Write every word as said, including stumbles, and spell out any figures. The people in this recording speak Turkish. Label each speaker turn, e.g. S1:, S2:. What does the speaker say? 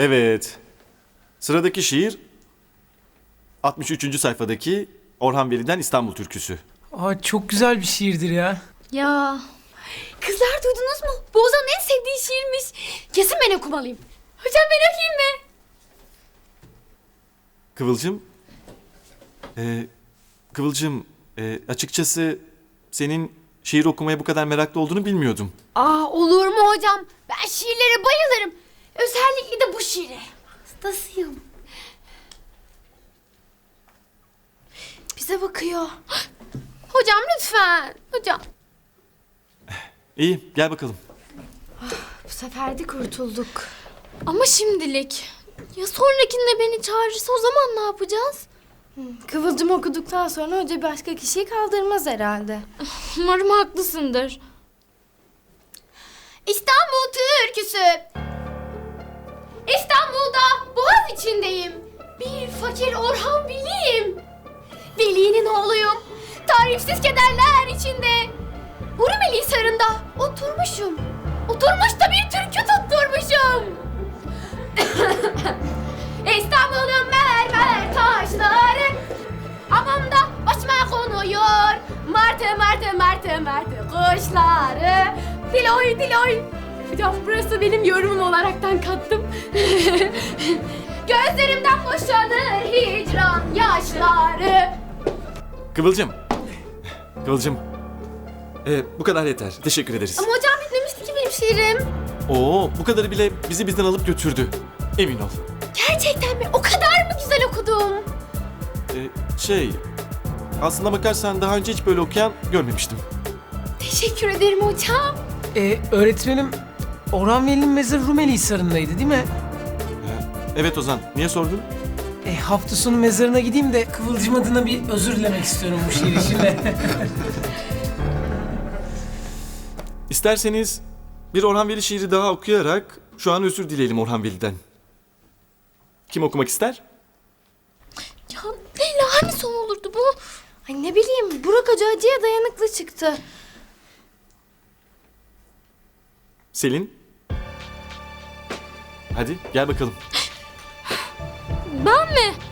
S1: Evet. Sıradaki şiir altmış üçüncü sayfadaki Orhan Veli'den İstanbul Türküsü.
S2: Aa, çok güzel bir şiirdir ya.
S3: Ya. Kızlar duydunuz mu? Bu Ozan'ın en sevdiği şiirmiş. Kesin ben okumalıyım. Hocam ben okuyayım mı?
S1: Kıvılcım, e, Kıvılcım, e, açıkçası senin şiir okumaya bu kadar meraklı olduğunu bilmiyordum.
S3: Aa, olur mu hocam? Ben şiirlere bayılırım. Özellikle de bu şiire. Hastasıyım. Bize bakıyor. Hocam lütfen. Hocam.
S1: İyi, gel bakalım.
S3: Bu sefer de kurtulduk. Ama şimdilik. Ya sonrakinde beni çağırırsa o zaman ne yapacağız?
S4: Kıvılcım okuduktan sonra hoca başka kişiyi kaldırmaz herhalde.
S3: Umarım haklısındır. İstanbul türküsü. İstanbul'da Boğaz içindeyim. Bir fakir Orhan Veli'yim. Veli'nin oğluyum. Tarifsiz kederler içinde. Hurmeli Hisarı'nda oturmuşum. Oturmuş da bir türkü tutturmuşum. İstanbul'un mermer taşları hamamda başıma konuyor. Martı martı martı martı kuşları. Diloy diloy. Hocam burası benim yorumum olaraktan kattım. Gözlerimden boşanır hicran yaşları.
S1: Kıvılcım, Kıvılcım, e, bu kadar yeter. Teşekkür ederiz.
S3: Ama hocam bitmemişti ki benim şiirim.
S1: Oo, bu kadarı bile bizi bizden alıp götürdü. Emin ol.
S3: Gerçekten mi? O kadar mı güzel okudum?
S1: E, şey, aslına bakarsan daha önce hiç böyle okuyan görmemiştim.
S3: Teşekkür ederim hocam.
S2: Ee, öğretmenim, Orhan Veli'nin mezarı Rumeli Hisarı'ndaydı değil mi?
S1: Evet Ozan, niye sordun?
S2: E, hafta sonu mezarına gideyim de Kıvılcım adına bir özür dilemek istiyorum bu şiir için de.
S1: İsterseniz bir Orhan Veli şiiri daha okuyarak şu an özür dileyelim Orhan Veli'den. Kim okumak ister?
S3: Ya Leyla hani son olurdu bu?
S4: Ay ne bileyim, Burak Hoca acıya dayanıklı çıktı.
S1: Selin? Hadi gel bakalım.
S3: Ben mi?